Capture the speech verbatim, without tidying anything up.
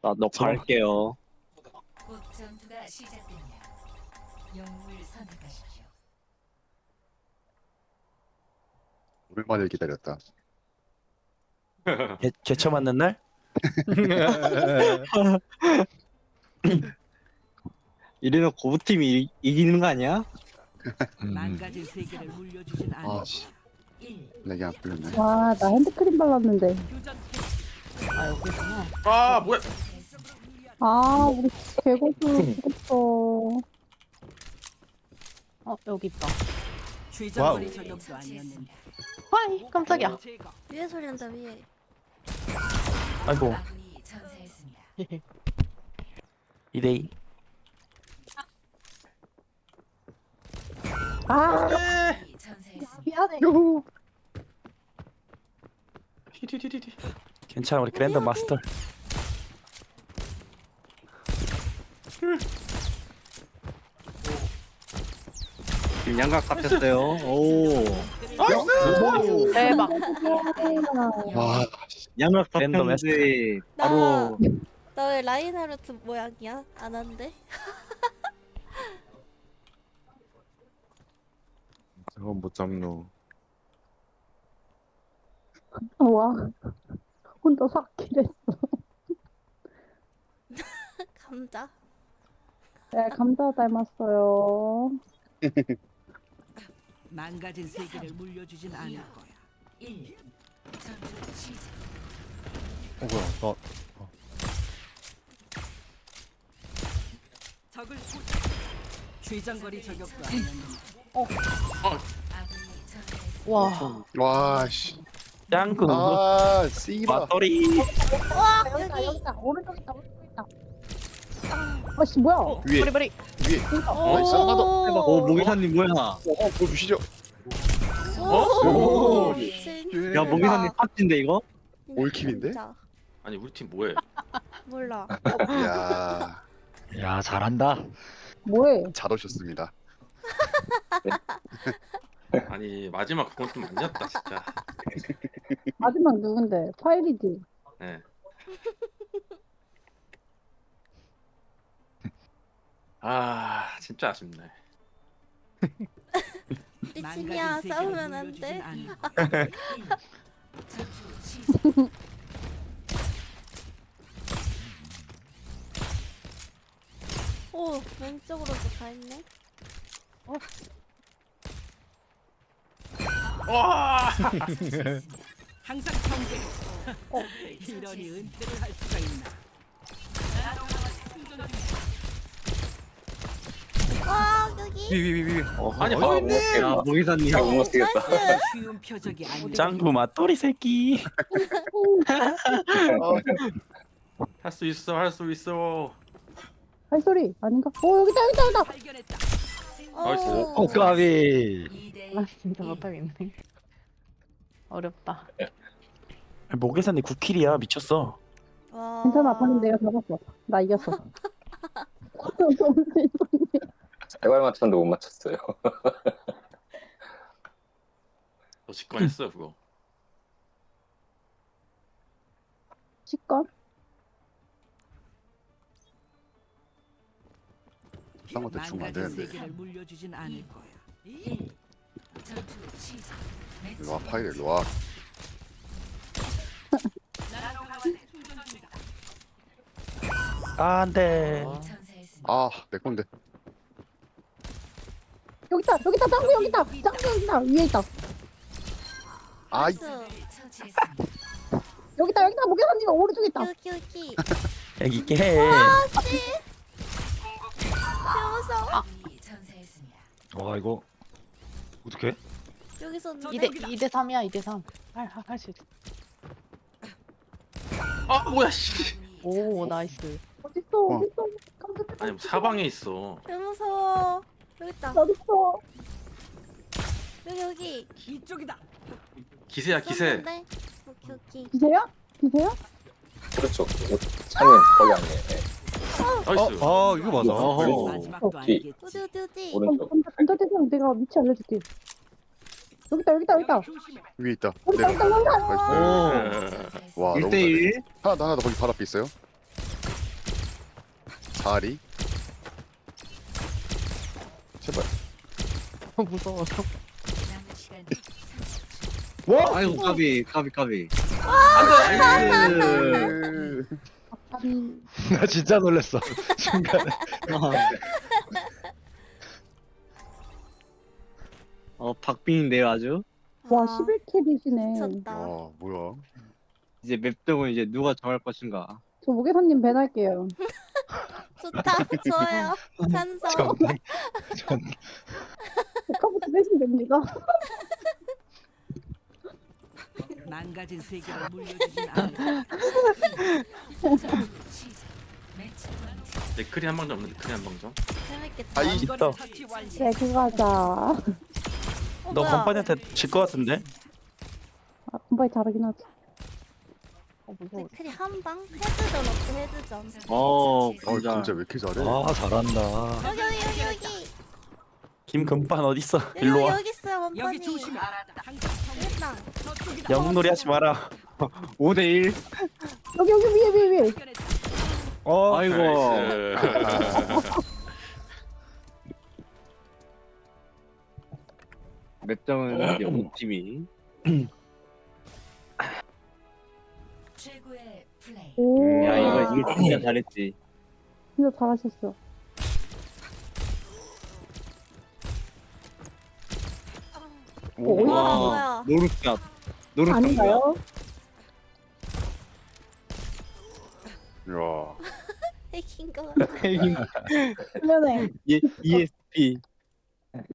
나 녹화할게요. 곧 전투가 시작됩니다. 영웅을 선택하십시오. 오랜만에 기다렸다. 개, 개처 맞는 날? 이래놓고 고부팀이 이- 이기는 거 아니야? 망가진 세계를 물려주진 않을 아, 씨. 일. 내게 안 풀렸네. 와, 나 핸드크림 발랐는데. 교전 아 여기구나. 아 뭐야? 아, 우리 개고수 죽었어. 어 여기 있다. 최전거리 저격도 아니었는데 아이 깜짝이야. 제거. 위에 소리 난다 위에. 아이고 아군이 전사했습니다. 이 대이. 아, 아군이 전사했습니다. 미안해. 티티티티티. 괜찮아 우리 그랜드 마스터. 지금 양각 잡혔어요. 오. 대박. 와, 양각 랜덤 잡혔는데 바로 나 왜 라인하르트 모양이야? 안 한대? 저건 못 잡노. 와, 혼자 삭킬했어. 감자. 네, 감자 닮았어요. 망가진 세계를 물려주진 않을 거야. 일. 전투 시작. 어 뭐야? 나 적을 소... 최전거리 저격도 아니었는데 아군이 전사했습니다. 와. 와, 씨. 짱구 아, 씨바. 맞돌이. 와 여기다, 여기. 여기다. 오른쪽 있다, 오른쪽 있다. 아씨, 뭐야? 위에, 브리브리. 위에. 나이스, 하나 더. 오 모기사님 뭐야? 어, 어, 보여주시죠. 오. 오. 미친. 야 모기사님 탑진데 이거? 올킬인데? 진짜. 아니 우리 팀 뭐해? 몰라. 이야, 야 잘한다. 뭐해? 잘 오셨습니다. 아니 마지막 그건 좀 아니었다 진짜. 마지막 누군데? 파일이지. 네. 아 진짜 아쉽네. 미친이야 망가진 세계를 싸우면 안 물려주진 돼. 않을 거야. 전투 시작. 오 왼쪽으로도 다 있네. 와. 항상 경계. 이러니 은퇴를 할 수가 있나? 와 여기. 위위위위. 어, 아니 어, 하고 있네. 야 모기사님 나이스. 쉬운 표적이 아니. 짱구 맞돌이 새끼. 할 수 있어 할 수 있어. 발소리 아닌가? 오, 여기다, 여기다, 여기다. 발견했다. 나이스. 오. 까비. 이 대 아 진짜 못하겠네. 어렵다. 모계산이 구 킬이야 미쳤어. 와. 괜찮아, 방금 내가 잡았어. 나 이겼어. 세 발 맞췄는데 못 맞췄어요. 너 직관했어 그거. 식권? 딴거 대충 안 망가진 되는데. 세계를 물려주진 않을 거야. 일. 전투 시작. 일로 와, 파일 일로 와. 아 안돼. 전사했습니다. 아, 내 건데. 여기 있다, 여기 있다, 짱구 여기 있다, 짱구 여기 있다, 위에 있다. 아이, 나이스. 처치했습니다. 여기 있다, 여기 있다, 목욕한님 오른쪽에 있다. 여기 여기. 여기 있게 해. 아씨. 무서워. 아군이 전사했습니다. 와 이거 어떻게? 여기서 이 대 이 대 삼이야 이 대 삼. 할할 수 있어. 아 뭐야 씨. 오 나이스. 어딨어, 어. 어딨어. 깜짝이야. 아니 사방에 있어. 개 무서워. 여기 있다. 어딨어. 여기 여기. 이쪽이다. 기세야 기세. 쏜는데? 오케이 오케이. 기세요? 기세요? 그렇죠. 창님 거기 안 해. 나이스. 아 이거 맞아. 어허. 마지막도 뒤. 아니겠지. 어디 어디 어디. 오른쪽. 감자, 감자 대장 내가 위치 알려줄게. 여기 있다, 여기 있다, 여기 있다. 위에 있다. 여기 있다, 내 여기 있다, 여기 있다. 나이스. 오. 와, 일 너무 대 잘해. 일. 하나 더, 하나 더 거기 바로 앞에 있어요. 다리. 제발. 무서워. 남은 시간 삼십 초. 와! 아이고 까비 까비 까비. 나이스. 아니, 나 진짜 놀랬어. 순간에. 어 박빙인데요 아주. 와, 아, 십일 킬이시네. 미쳤다. 아 뭐야? 이제 맵등은 이제 누가 정할 것인가. 저 모계사님 밴할게요. 좋다. 좋아요. 찬성. 전 백화부터 빼시면 됩니다. 망가진 세계를 물려주진 않아. 전투 시작. 매치 포인트. 맥크리 한 방 좀 없는데 맥크리 한 방 좀. 재밌겠다. 아이. 있다. 처치 완료. 네, 그거 하자. 아, 어, 너 뭐야? 건반이한테 질 것 같은데? 공부에 잘하긴 하지. 어, 무서워. 맥클이 한 방? 헤드전 어때? 헤드전. 어 어 진짜. 진짜 왜 이렇게 잘해? 아 잘한다. 여기 여기 여기 여기. 김금반 어딨어? 여기 일로 여기, 와. 여기 있어요 원판이. 여기 조심해. 항상 일단. 저쪽이다. 영놀이 하지 마라. 오 대 일. 여기, 여기, 위에, 위에, 위에. 어. 아이고. 맵등은 영국 팀이. 최고의 플레이. 오, 야 이거 이거 진짜 잘했지. 진짜 잘하셨어. 오. 와, 와 뭐야. 노릇값. 노릇값. 아닌가요? 야. 핵인 거 같아. 뭐야? 그러네. 이 에스피.